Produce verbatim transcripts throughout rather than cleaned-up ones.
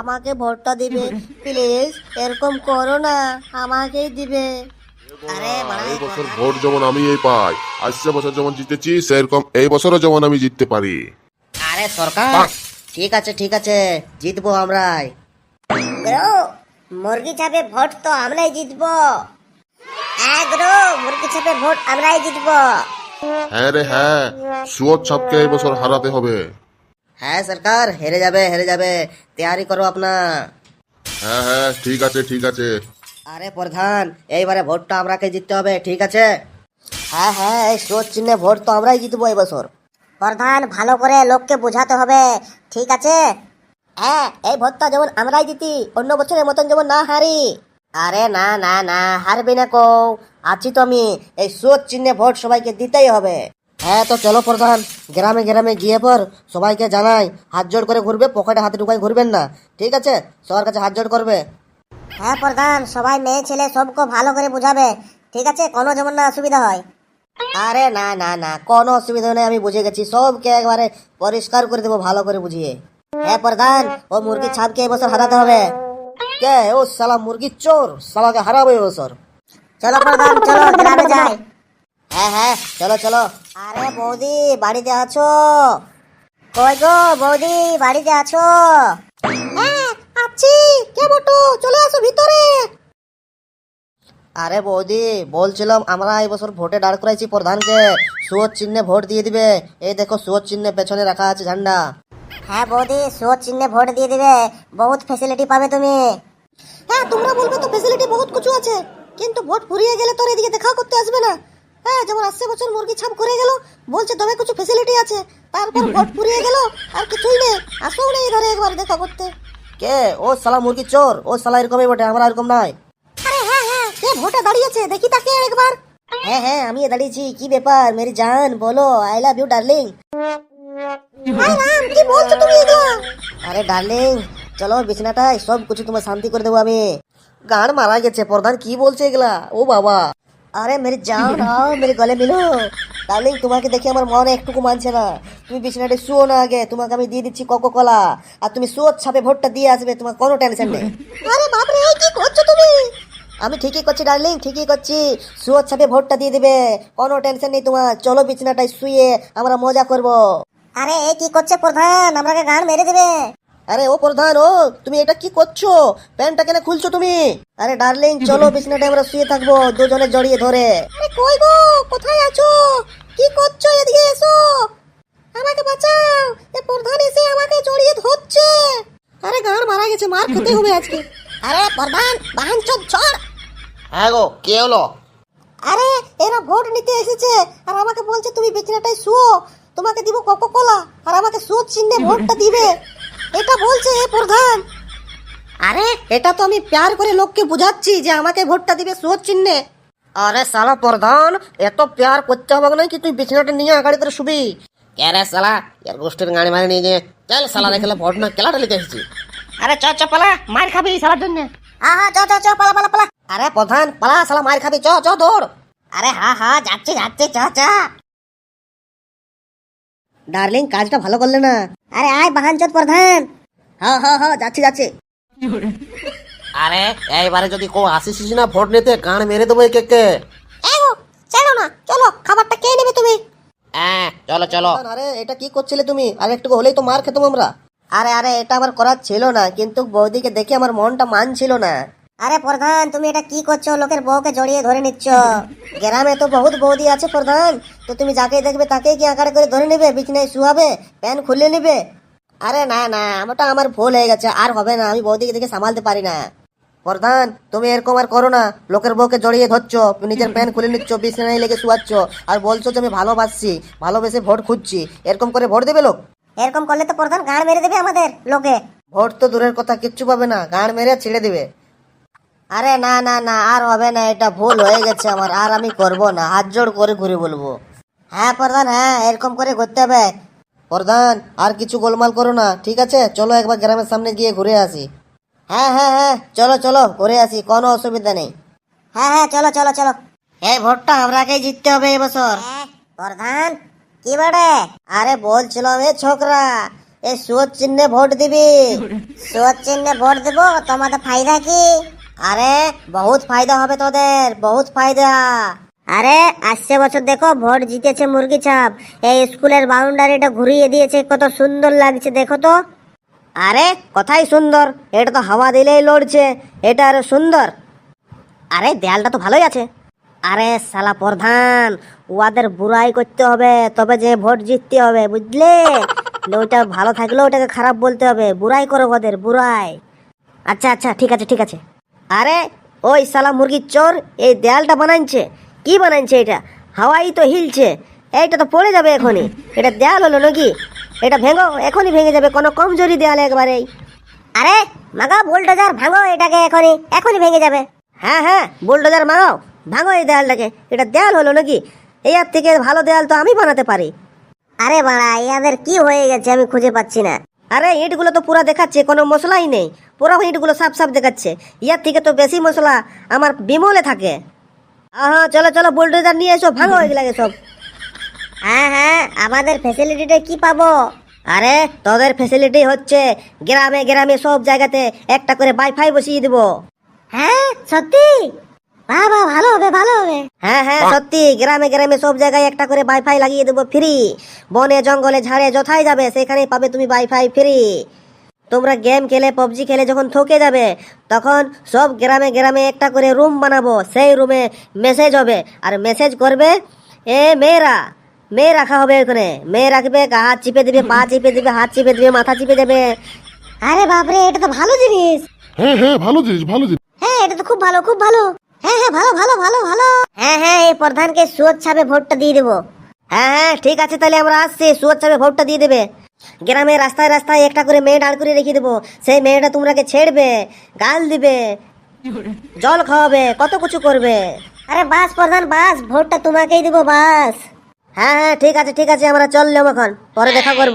আমাকে ভোটটা দিবে প্লিজ, এরকম করো না, আমাকেই দিবে। আরে এই বছর ভোট যেমন আমি এই পাই, আসছে বছর যেমন জিতেছি সেরকম এই বছরও যেমন আমি জিততে পারি। আরে সরকার, ঠিক আছে ঠিক আছে, জিতবো আমরাই। গ্রো মুরগি ছাপে ভোট তো আমরাই জিতবো। হ্যাঁ গ্রো, মুরগি ছাপে ভোট আমরাই জিতবো। হ্যাঁ রে হ্যাঁ, সুয়ত ছাপকে এই বছর হারাতে হবে। হ্যাঁ সরকার, হেরে যাবে হেরে যাবে, তৈরি করো আপনা। হ্যাঁ হ্যাঁ ঠিক আছে ঠিক আছে। আরে প্রধান, এইবারে ভোটটা আমরাকে জিততে হবে, ঠিক আছে? হ্যাঁ হ্যাঁ, এই স্রোত চিহ্নে ভোট তো আমরাই জিতবো এই বছর। প্রধান, ভালো করে লোককে বোঝাতে হবে, ঠিক আছে? হ্যাঁ, এই ভোটটা যেমন আমরাই জিতি, অন্য বছরের মতন যেমন না হারি। আরে না না না, হারবি না কো, আছি তো আমি। এই স্রোত চিহ্নে ভোট সবাইকে দিতেই হবে। হ্যাঁ তো চলো প্রধান, গ্রামে গ্রামে গিয়ে পর সবাইকে জানাই, হাত জোড় করে ঘুরবে, পকেটে হাতে ঢুকাই ঘুরবেন না, ঠিক আছে? সবার কাছে হাত জোড় করবে। হ্যাঁ প্রধান, সবাই মেয়ে ছেলে সবকে ভালো করে বুঝাবে, ঠিক আছে? কোনো যেমন না অসুবিধা হয়। আরে না না না, কোনো অসুবিধা নেই, আমি বুঝে গেছি, সবকে একবারে পরিষ্কার করে দেবো ভালো করে বুঝিয়ে। হ্যাঁ প্রধান, ও মুরগি ছাপকে এবছর হারাতে হবে। কে ও শালা মুরগি চোর, শালাকে হারাবো এবছর। চলো প্রধান, চলো গ্রামে যাই। হ্যাঁ হ্যাঁ চলো চলো। আরে বৌদি, বাড়িতে আছো? কই গো বৌদি, বাড়িতে আছো? হ্যাঁ আছি। কে বটু, চলে আসো ভিতরে। আরে বৌদি, বলছিলাম আমরা এই বছর ভোটে দাঁড় করাইছি প্রধানকে, সুয়োর চিহ্নে ভোট দিয়ে দিবে। এই দেখো সুয়োর চিহ্নে পেছনে রাখা আছে ঝান্ডা। হ্যাঁ বৌদি, সুয়োর চিহ্নে ভোট দিয়ে দিবে, বহুত ফ্যাসিলিটি পাবে তুমি। হ্যাঁ তোমরা বলবে তো ফ্যাসিলিটি বহুত কিছু আছে, কিন্তু ভোট ফুরিয়ে গেলে তোর এদিকে দেখা করতে আসবে না। হ্যাঁ, যেমন আসছে বছর মুরগি ছাপ করে গেল, বলছে তবে কিছু ফ্যাসিলিটি আছে, তারপর ভোট ফুরিয়ে গেল আর কিছুই নেই, আসো না এই ঘরে একবার দেখা করতে। কে ও শালা মুরগি চোর, ও শালা এরকমই বটে, আমরা এরকম নয়। আরে হ্যাঁ হ্যাঁ, কে ভোটে দাঁড়িয়েছে দেখি তাকে একবার। হ্যাঁ হ্যাঁ, আমি দাঁড়িয়েছি, কি ব্যাপার মেরি জান, বলো, I love you darling. Hi Ram, কি বলছো তুমি এগুলো? আরে ডার্লিং, চলো বিছানাটায়, সব কিছু তোমার শান্তি করে দেবো আমি। গান মারা গেছে, প্রধান কি বলছে এগুলা? ও বাবা, আরে মেরি জান आओ मेरे गले मिलो। ডার্লিং, তোমাকে দেখে আমার মনে একটুকু মানছে না, তুমি বিছানাতে শুও না আগে, তোমাকে আমি দিয়ে দিচ্ছি কোকো কোলা, আর তুমি সুয়োর ছাপে ভোটটা দিয়ে আসবে, তোমার কোনো টেনশন নেই। আরে বাপরে, এই কি করছো তুমি? আমি ঠিকই করছি ডার্লিং, ঠিকই করছি, সুয়োর ছাপে ভোটটা দিয়ে দিবে, কোনো টেনশন নেই তোমার, চলো বিছানাটায় শুয়ে আমরা মজা করব। আরে এই কি করছে প্রধান, আমাকে গান মেরে দেবে। আরে ও প্রধান, ও তুমি এটা কি করছো, প্যান্টটা কেন খুলছো তুমি? আরে ডার্লিং, চলো বিছানাটায় আমরা শুয়ে থাকবো দুজনে জড়িয়ে ধরে। আরে কই গো, কোথায় আছো, কি করছো, এদিকে এসো, আমাকে বাঁচাও, এ প্রধান এসে আমাকে জড়িয়ে ধরছে। আরে গান মারা গেছে, মার খেতে হবে আজকে। আরে প্রধান, বাহন চোদ ছড়। হ্যাঁ গো, কে হলো? আরে এরা ভোট নিতে এসেছে আর আমাকে বলছে তুমি বিছানাটায় শুও, তোমাকে দিব কোকো কোলা, আর আমাকে সুদ চিহ্নে ভোটটা দিবে, এটা বলছে এ প্রধান। আরে এটা তো আমি প্যার করে লোককে বুঝাচ্ছি যে আমাকে ভোটটা দিবে সুদ চিহ্নে। আরে শালা প্রধান, এত প্যার করতে হবে না কি, তুই বিছানাটা নিয়ে আগাড়ি করে শুবি। কে রে শালা, এর গোষ্ঠীর গাড়ি মারি নিয়ে যে চল শালা রেখে ভোট না কেলাটা লিখে এসেছি। আরে চ চ পালা, মার খাবি শালার জন্য। হ্যাঁ হ্যাঁ, চ চ চ, পালা পালা পালা। আরে প্রধান পালা, শালা মার খাবি, চ চ দৌড়। আরে হ্যাঁ হ্যাঁ, যাচ্ছে যাচ্ছে, চ চ। ডার্লিং, কাজটা ভালো করলে না। আরে আয় বাহানচোদ প্রধান। হ্যাঁ হ্যাঁ হ্যাঁ, যাচ্ছি যাচ্ছি। আরে এইবারে যদি কেউ আসিস না ভোট নিতে, গান মেরে দেবো কে কে। এগো চলো না, চলো, খাবারটা কে নেবে তুমি? হ্যাঁ চলো চলো। আরে এটা কি করছিলে তুমি, আর একটু হলেই তো মার খেতাম আমরা। আরে আরে, এটা আমার করার ছিল না, কিন্তু বৌদিকে দেখে আমার মনটা মানছিল না। আরে প্রধান, তুমি এটা কি করছো, লোকের বউকে জড়িয়ে ধরে নিচ্ছ। গ্রামে তো বহুত বৌদি আছে প্রধান, তো তুমি যাকে দেখবে তাকেই কি আঁকাড়ে করে ধরে নেবে, বিছনায় শুয়াবে, প্যান্ট খুলে নেবে? আরে না না, ওটা আমার ভুল হয়ে গেছে, আর হবে না, আমি বৌদিকে দেখে সামালতে পারি না। প্রধান, তুমি এরকম আর করো না, লোকের বউকে জড়িয়ে ধরছো, নিজের প্যান্ট খুলে নিচ্ছ, বিছানায় লেগে শুয়াচ্ছ, আর বলছো যে আমি ভালোবাসছি, ভালোবেসে ভোট খুঁজছি, এরকম করে ভোট দেবে লোক? এরকম করলে তো প্রধান গাঁড় মেরে দেবে আমাদের লোকে। ভোট তো দূরের কথা, কিচ্ছু পাবে না, গাঁড় মেরে ছেড়ে দেবে। আরে না না না, আর হবে না, এটা ভুল হয়ে গেছে আমার, আর আমি করব না, হাত জোড় করে ঘুরে বলবো। হ্যাঁ প্রধান, হ্যাঁ এরকম করে করতে হবে। প্রধান, আর কিছু গোলমাল করো না, ঠিক আছে? চলো একবার গ্রামের সামনে গিয়ে ঘুরে আসি। হ্যাঁ হ্যাঁ হ্যাঁ, চলো চলো ঘুরে আসি, কোনো অসুবিধা নেই। হ্যাঁ হ্যাঁ চলো চলো চলো, এই ভোটটা আমরাকেই জিততে হবে এবছর। প্রধান কি বাড়ে? আরে বলছিলাম এ ছোকরা, এই সুয়োর চিহ্নে ভোট দিবি। সুয়োর চিহ্নে ভোট দেবো, তোমাদের ফায়দা কি? আরে বহুত ফায়দা হবে তোদের, বহুত ফায়দা। আরে আসছে বছর দেখো ভোট জিতেছে মুরগি ছাপ, এই স্কুলের বাউন্ডারিটা ঘুরিয়ে দিয়েছে, কত সুন্দর লাগছে দেখো তো। আরে কথাই সুন্দর, এটা তো হাওয়া দিলেই লড়ছে, এটা আরো সুন্দর। আরে দেয়ালটা তো ভালোই আছে। আরে শালা প্রধান, ওদের বুড়াই করতে হবে তবে যে ভোট জিততে হবে, বুঝলে? ওইটা ভালো থাকলেও ওটাকে খারাপ বলতে হবে, বুড়াই করো ওদের, বুড়াই। আচ্ছা আচ্ছা ঠিক আছে ঠিক আছে। আরে ওই শালা মুরগির চোর এই দেয়ালটা বানাইছে, কি বানাইছে এটা? হাওয়াই তো হিলছে, এইটা তো পড়ে যাবে এখনই। এটা দেয়াল হলো নাকি? এটা ভেঙো, এখনই ভেঙে যাবে, কোনো কমজোরি দেয়াল একবারেই। আরে মাগাও বুলডোজার, ভাঙো এটাকে এখনই, এখনই ভেঙে যাবে। হ্যাঁ হ্যাঁ বুলডোজার মাগাও, ভাঙো এই দেয়ালটাকে। এটা দেয়াল হলো নাকি? এর থেকে ভালো দেয়াল তো আমি বানাতে পারি। আরে বাড়া, ইয়াদের কি হয়ে গেছে আমি খুঁজে পাচ্ছি না। আরে ইটগুলো তো পুরা দেখাচ্ছে, কোনো মশলাই নেই, পুরো ইটগুলো সাফ সাফ দেখাচ্ছে। ইয়ার থেকে তো বেশি মশলা আমার বিমলে থাকে। হ্যাঁ চলো চলো, বুলডোজার নিয়ে এসো, ভাঙো এগুলাকে সব। হ্যাঁ হ্যাঁ, আমাদের ফ্যাসিলিটিটা কি পাবো? আরে তোদের ফ্যাসিলিটি হচ্ছে গ্রামে গ্রামে সব জায়গাতে একটা করে ওয়াইফাই বসিয়ে দিব। হ্যাঁ সত্যি? বাবা ভালো হবে ভালো হবে। হ্যাঁ হ্যাঁ সত্যি, গ্রামে গ্রামে সব জায়গায় একটা করে ওয়াইফাই লাগিয়ে দেবো ফ্রি। বনে জঙ্গলে ঝাড়ে যথাই যাবে সেখানেই পাবে তুমি ওয়াইফাই ফ্রি। তোমরা গেম খেলে পাবজি খেলে যখন থকে যাবে তখন সব গ্রামে গ্রামে একটা করে রুম বানাবো, সেই রুমে মেসেজ হবে, আর মেসেজ করবে এ মেয়েরা, মেয়ে রাখা হবে ওখানে, মেয়ে রাখবে, হাত চিপে দিবে, পা চিপে দিবে, হাত চিপে দিবে, মাথা চিপে দেবে। আরে বাপরে, এটা তো ভালো জিনিস। হ্যাঁ হ্যাঁ ভালো জিনিস, ভালো জিনিস। হ্যাঁ এটা তো খুব ভালো, খুব ভালো। হ্যাঁ হ্যাঁ ভালো ভালো ভালো ভালো। হ্যাঁ হ্যাঁ, এই প্রধানকে সুয়োর ছাপে ভোটটা দিয়ে দেবো। হ্যাঁ হ্যাঁ ঠিক আছে, তাহলে আমরা আসছি, সুয়োর ছাপে ভোটটা দিয়ে দেবে। গ্রামে রাস্তায় রাস্তায় একটা করে মেয়ে দাঁড় করে রেখে দেবো, সেই মেয়েটা তোমরাকে ছেড়বে, গাল দিবে, জল খাওয়াবে, কত কিছু করবে। আরে বাস প্রধান বাস, ভোটটা তোমাকেই দেবো বাস। হ্যাঁ হ্যাঁ ঠিক আছে ঠিক আছে, আমরা চললাম এখন, পরে দেখা করব।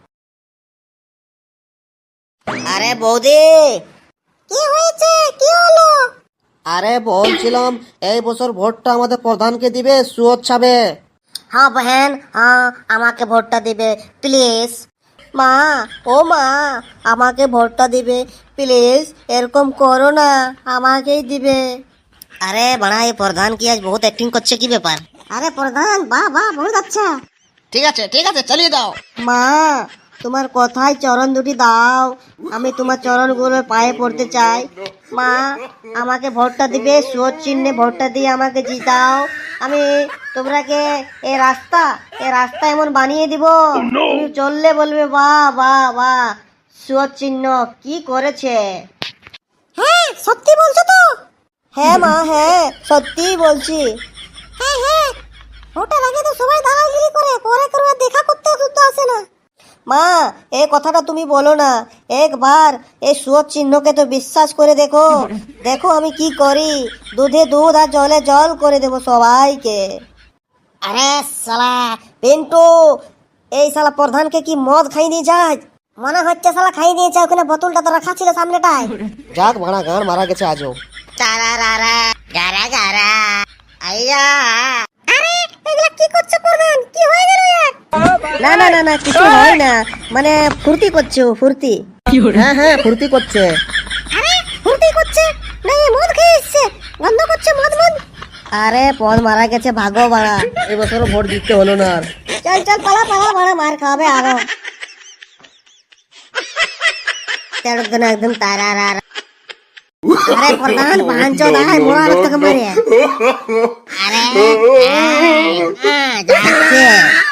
আরে বৌদি, কি হয়েছে, কি হলো? আরে বলছিলাম এই বছর ভোটটা আমাদের প্রধানকে দিবে সুয়োর ছাপে। হ্যাঁ বহেন, হ্যাঁ আমাকে ভোটটা দিবে প্লিজ। মা, ও মা, আমাকে ভোটটা দিবে প্লিজ, এরকম করো না, আমাকেই দিবে। আরে বাড়া, এই প্রধান কি আজ বহুত অ্যাক্টিং করছে, কি ব্যাপার? আরে প্রধান, বাহ বাহ, বহুত আচ্ছা। ঠিক আছে ঠিক আছে, চালিয়ে দাও। মা, তোমার কথায় চরণ দুটি দাও, আমি তোমার চরণগুলো পায়ে পড়তে চাই। মা, আমাকে ভোটটা দিবে, সুয়োর চিহ্নে ভোটটা দিয়ে আমাকে জিতাও। আমি তোমরাকে এই রাস্তা এই রাস্তা এমন বানিয়ে দিব, তুমি চললে বলবে বাহ বাহ বাহ, সুয়োর চিহ্ন কি করেছে। হ্যাঁ সত্যি বলছো তো? হ্যাঁ মা, হ্যাঁ সত্যি বলছি। হ্যাঁ হ্যাঁ, ভোটের আগে তো সবাই দালালগিরি করে, পরে করে দেখা করতে শুদ্ধ আসে না। মা, এই কথাটা তুমি বলো না, একবার এই সুয়োর চিহ্নকে তো বিশ্বাস করে দেখো, দেখো আমি কি করি, দুধে দুধ আর জলে জল করে দেবো সবাইকে। আরে শালা পিন্টু, এই শালা প্রধানকে কি মদ খাই দিয়ে যায়? মনে হচ্ছে শালা খাই দিয়েছে, ওখানে বোতলটা তো রাখা ছিল সামনেটায়। যাক ভাড়া, গান মারা গেছে আজও। চারা রারা গারা গারা আইয়া। আরে এগুলা কি করছে প্রধান, কি হয়ে গেল এর? না না না না, কিছু হয় না, মানে ফুর্তি করছে ও, ফুর্তি। হ্যাঁ হ্যাঁ ফুর্তি করছে। আরে ফুর্তি করছে না, এই মদ খেয়ে এসছে, গন্ধ করছে মদ মদ। আরে পদ মারা গেছে, ভাগো বাড়া, এই বছরও ভোট দিতে হলো না আর। চল চল পালা পালা, বাড়া মার খাবে আরো। একদম একদম তারা রারা। আরে প্রধান বাঞ্চো দাঁড়ায়, মোড়া রাস্তাকে মারে। আরে যাচ্ছে